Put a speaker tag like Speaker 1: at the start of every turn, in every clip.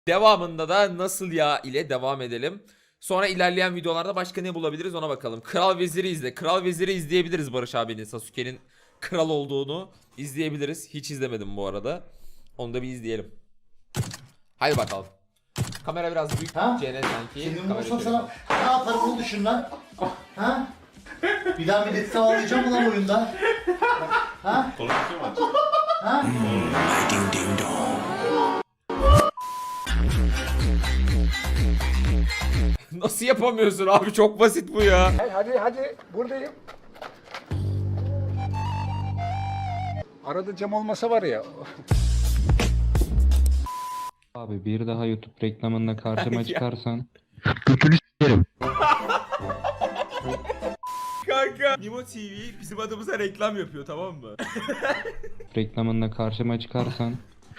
Speaker 1: Devamında da nasıl ya ile devam edelim. Sonra ilerleyen videolarda başka ne bulabiliriz ona bakalım. Kral Veziri izle. Kral Veziri izleyebiliriz Barış abinin. Sasuke'nin kral olduğunu izleyebiliriz. Hiç izlemedim bu arada. Onu da bir izleyelim. Haydi bakalım. Kamera biraz büyük.
Speaker 2: Ha?
Speaker 1: CN sanki.
Speaker 2: Senin olursa sana ne yaparım onu düşün lan. Ha? Bir daha milleti sağlayacağım mı lan oyunda? Ha? Ha?
Speaker 1: Nasıl yapamıyorsun abi? Çok basit bu ya.
Speaker 3: Hadi buradayım. Arada cam olmasa var ya.
Speaker 4: Abi bir daha YouTube reklamında karşıma
Speaker 1: Ya.
Speaker 4: çıkarsan
Speaker 1: Kanka. Nimo TV bizim adımıza reklam yapıyor, tamam mı?
Speaker 4: reklamında karşıma çıkarsan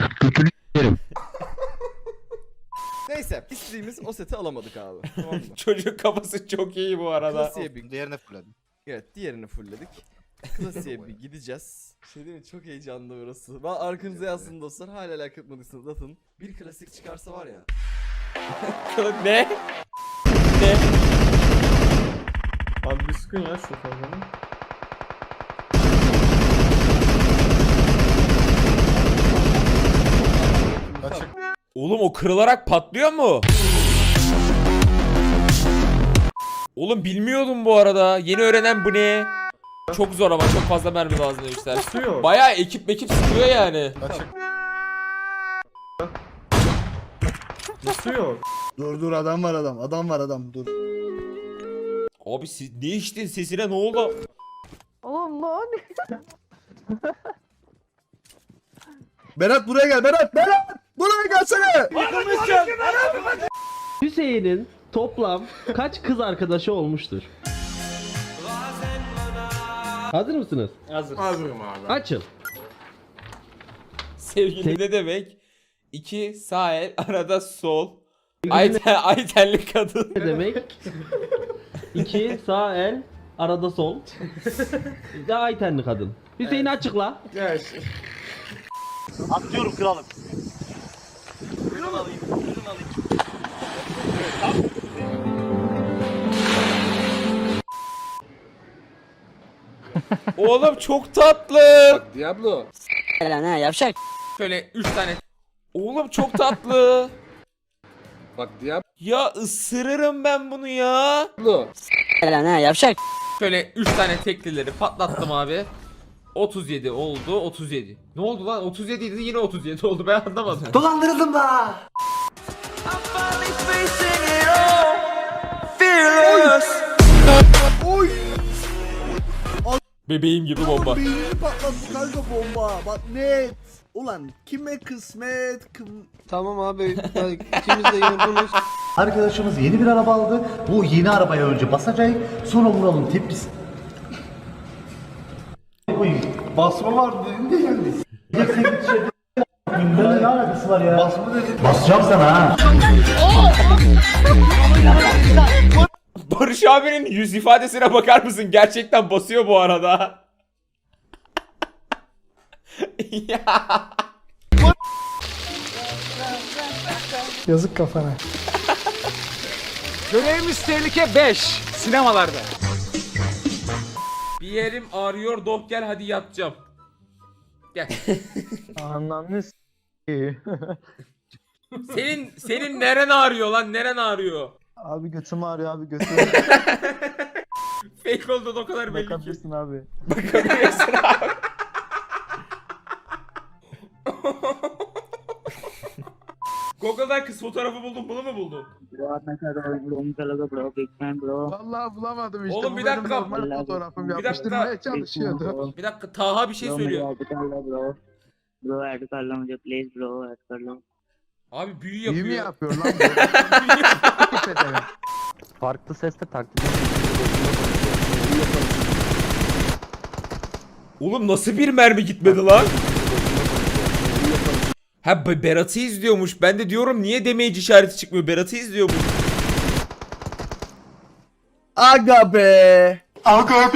Speaker 5: Neyse istediğimiz o seti alamadık abi. Tamam mı?
Speaker 1: Çocuk kafası çok iyi bu arada.
Speaker 5: Klasiğe bir
Speaker 6: Diğerine fırladım.
Speaker 5: evet diğerini fullledik. Klasiğe bir gideceğiz. Şey değil mi? Çok heyecanlı burası. Ben arkanıza yazsın dostlar. Hala like atmadıysanız atın. Bir klasik çıkarsa var ya.
Speaker 1: Ne? Ne?
Speaker 7: Abi bir sıkın ya şu kavganı.
Speaker 1: Oğlum o kırılarak patlıyor mu? Oğlum bilmiyordum bu arada. Yeni öğrenen bu ne? Çok zor ama çok fazla mermi lazım demişler.
Speaker 7: Sıkıyor.
Speaker 1: Bayağı ekip sıkıyor yani.
Speaker 7: Sıkıyor.
Speaker 6: Dur adam var adam dur.
Speaker 1: Abi siz ne içtin, sesine ne oldu?
Speaker 8: Allah.
Speaker 6: Berat buraya gel Berat buraya gelsene.
Speaker 9: Hüseyin'in toplam kaç kız arkadaşı olmuştur? Hazır mısınız?
Speaker 7: Hazırım abi.
Speaker 9: Açın.
Speaker 1: Sevgili ne demek? 2 sağ el arada sol. Aytenli kadın.
Speaker 9: Ne demek? 2 sağ el arada sol. Bir de Aytenli kadın. Hüseyin açıkla.
Speaker 7: Gel.
Speaker 2: Atlıyorum kralım.
Speaker 1: Oğlum çok tatlı.
Speaker 3: Diablo.
Speaker 8: Lan ha yavşak.
Speaker 1: Şöyle 3 tane. Oğlum çok tatlı.
Speaker 3: Bak Diablo.
Speaker 1: Ya ısırırım ben bunu ya.
Speaker 8: Lan ha yavşak.
Speaker 1: Şöyle 3 tane teklileri patlattım abi. 37 oldu, 37. Ne oldu lan? 37 idi, yine 37 oldu, ben anlamadım.
Speaker 2: Dolandırıldım da.
Speaker 1: Bebeğim gibi bomba.
Speaker 6: Beynini patlattı kanka bomba. Bak net. Ulan kime kısmet
Speaker 5: Tamam abi. İkimiz de yorgunuz.
Speaker 2: Arkadaşımız yeni bir araba aldı. Bu yeni arabaya önce basacak. Sonra vuralım tepkisi. Basma var dedi de geldi. Bunların ne alakası var ya? Basma dedi. Basacağım sana ha.
Speaker 1: Barış abinin yüz ifadesine bakar mısın? Gerçekten basıyor bu arada. Ya.
Speaker 3: Yazık kafana. Görevimiz tehlike 5. Sinemalarda.
Speaker 1: Bir yerim ağrıyor, doh gel hadi yatacağım. Gel.
Speaker 3: Ananı
Speaker 1: Senin neren ağrıyor lan? Neren ağrıyor?
Speaker 6: Abi götüm ağrıyor abi götüm.
Speaker 1: Fake olduğu o kadar belli ki.
Speaker 6: abi.
Speaker 1: Bakabilirsin abi. Google'dan kız fotoğrafı buldum. Bunu mu buldun?
Speaker 6: Vallahi bulamadım işte.
Speaker 1: Oğlum bir
Speaker 6: Bu benim
Speaker 1: dakika.
Speaker 6: normal fotoğrafım
Speaker 1: Bir
Speaker 6: yapıştırmaya
Speaker 1: dakika.
Speaker 6: çalışıyordu.
Speaker 1: Bir dakika, Taha bir şey söylüyor.
Speaker 8: Bro add कर लो मुझे please bro add कर लो.
Speaker 1: Abi büyü
Speaker 6: İyi mi
Speaker 1: yapıyor.
Speaker 6: yapıyor lan bu?
Speaker 9: Farklı sesle taklit.
Speaker 1: Oğlum nasıl bir mermi gitmedi lan? Ha Berat'ı izliyormuş. Ben de diyorum niye damage işareti çıkmıyor? Berat'ı izliyormuş.
Speaker 6: Aga be.
Speaker 2: Abi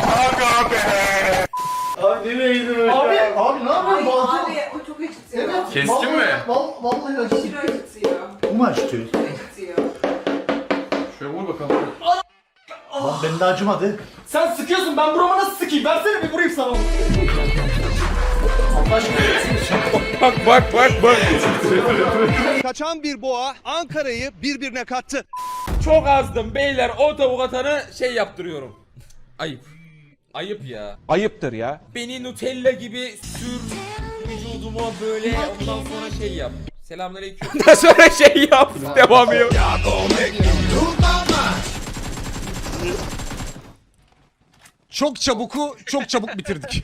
Speaker 2: ne yapıyorsun? Abi o çok eksik. Evet
Speaker 7: Kestin mi?
Speaker 2: Vallahi acı. Bu mu acıtıyor?
Speaker 7: Şöyle vur bakalım.
Speaker 2: Lan benim de acımadı.
Speaker 6: Sen sıkıyorsun, ben burama nasıl sıkayım? Versene bir vurayım sana.
Speaker 1: Bak.
Speaker 6: Kaçan bir boğa Ankara'yı birbirine kattı.
Speaker 1: Çok azdım beyler, o tavuk atanı şey yaptırıyorum. Ayıp. Ayıp ya.
Speaker 3: Ayıptır ya.
Speaker 1: Beni Nutella gibi sür vücuduma böyle, ondan sonra şey yap. Selamünaleyküm. Ondan sonra şey yap. Devam ediyor.
Speaker 3: Çok çabuk bitirdik.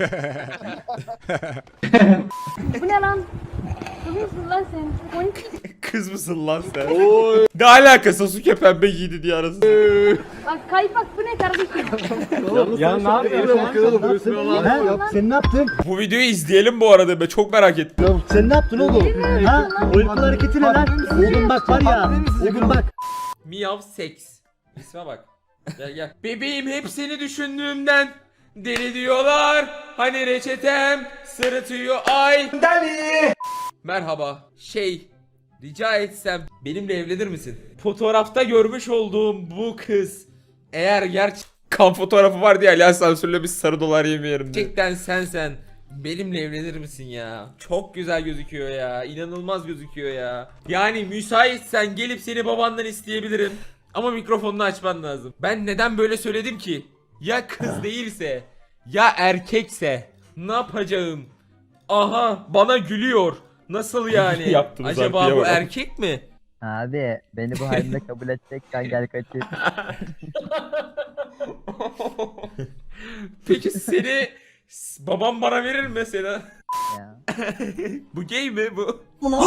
Speaker 10: Bu ne lan? Kızmışsın lan sen.
Speaker 1: Kız mısın lan sen? Ne alaka Sasuke pembe giydi diye arasında.
Speaker 10: Bak kaypak bu ne kardeşim?
Speaker 3: Ya ne yapıyorsun?
Speaker 2: Sen ne yaptın?
Speaker 1: Bu videoyu izleyelim bu arada, ben çok merak ettim.
Speaker 2: Sen ne yaptın oğlum? Ha? O yapılan hareketi ne lan? Oğlum bak var ya. Oğlum bak.
Speaker 1: Miyav seks. İsme bak. Gel. Bebeğim hep seni düşündüğümden deli diyorlar. Hani reçetem sırıtıyor ay. Deli. Merhaba. Rica etsem benimle evlenir misin? Fotoğrafta görmüş olduğum bu kız eğer kan fotoğrafı var diye Alias sansürle bir sarı dolar yemeyelim. Gerçekten sen benimle evlenir misin ya? Çok güzel gözüküyor ya. İnanılmaz gözüküyor ya. Yani müsaitsen gelip seni babandan isteyebilirim. Ama mikrofonunu açman lazım. Ben neden böyle söyledim ki? Ya kız değilse, ya erkekse ne yapacağım? Aha, bana gülüyor. Nasıl yani? Acaba bu erkek mi?
Speaker 8: Abi beni bu halimde kabul edeceksen gel kaçır.
Speaker 1: Peki seni babam bana verir mi mesela?
Speaker 8: Ya.
Speaker 1: Bu gay mi bu?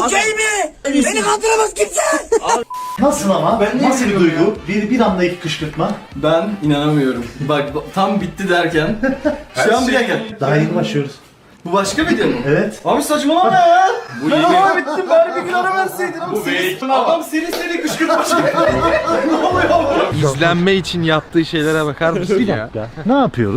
Speaker 2: Nasıl ama? Nasıl bir duygu? Bir anda iki kışkırtma.
Speaker 5: Ben inanamıyorum. Bak tam bitti derken. Şu an bir dakika.
Speaker 2: Daha yeni başlıyoruz.
Speaker 5: Bu başka video mu?
Speaker 2: Evet.
Speaker 5: Abi saçmalama ya. Bu yeni. Ben bittim, bari bir gün ara verseydin.
Speaker 7: Bu belki.
Speaker 5: Adam seri kışkırtmış gibi. Ne oluyor?
Speaker 3: İzlenme için yaptığı şeylere bakar mısın ya?
Speaker 2: Ne yapıyoruz?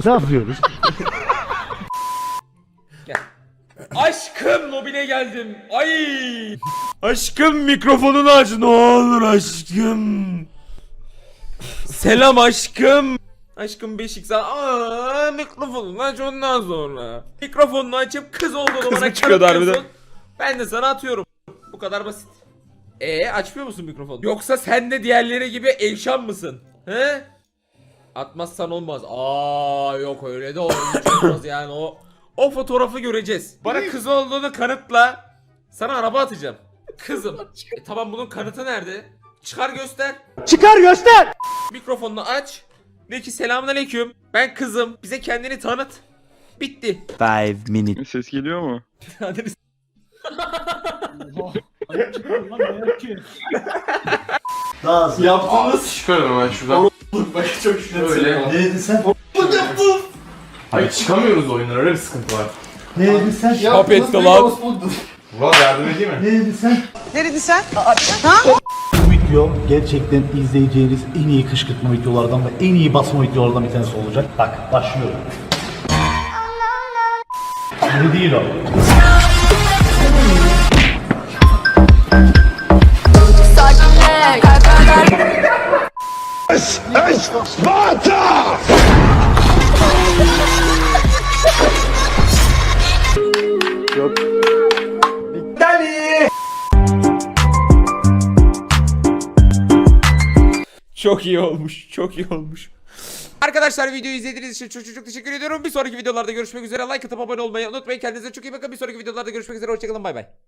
Speaker 1: Aşkım Nobile geldim. Ay. Aşkım mikrofonunu aç ne olur aşkım. Selam aşkım. Aşkım Beşik sana. Aa, mikrofonunu aç ondan sonra. Mikrofonunu açıp kız olduğunu bana kanıtlıyorsun. Ben de sana atıyorum. Bu kadar basit. Açmıyor musun mikrofonu? Yoksa sen de diğerleri gibi Elşan mısın? He? Atmazsan olmaz. Yok öyle de olmaz yani o fotoğrafı göreceğiz. Bana kız olduğunu kanıtla. Sana araba atacağım. Kızım. Tamam, bunun kanıtı nerede? Çıkar göster. Mikrofonunu aç. De ki selamünaleyküm. Ben kızım. Bize kendini tanıt. Bitti.
Speaker 4: 5 minutes.
Speaker 7: Ses geliyor mu?
Speaker 1: Hadi.
Speaker 2: Daha hızlı.
Speaker 5: Yaptığınız.
Speaker 7: Çıkarım ben şuradan.
Speaker 5: Bak çok şükür.
Speaker 7: Öyle.
Speaker 2: Ne dedin sen?
Speaker 7: Hayır çıkamıyoruz oyundan, öyle bir sıkıntı var.
Speaker 2: Ne dedin sen?
Speaker 1: Hap etti lan.
Speaker 7: Murat yardım edeyim mi?
Speaker 2: Ne dedin sen?
Speaker 6: Ne dedin sen?
Speaker 2: Bu video gerçekten izleyeceğiniz en iyi kışkırtma videolardan ve en iyi basma videolardan bir tanesi olacak. Bak başlıyorum. Şimdi değil o.
Speaker 1: Çok iyi olmuş. Çok iyi olmuş. Arkadaşlar videoyu izlediğiniz için çok teşekkür ediyorum. Bir sonraki videolarda görüşmek üzere. Like atıp abone olmayı unutmayın. Kendinize çok iyi bakın. Bir sonraki videolarda görüşmek üzere. Hoşçakalın. Bay bay.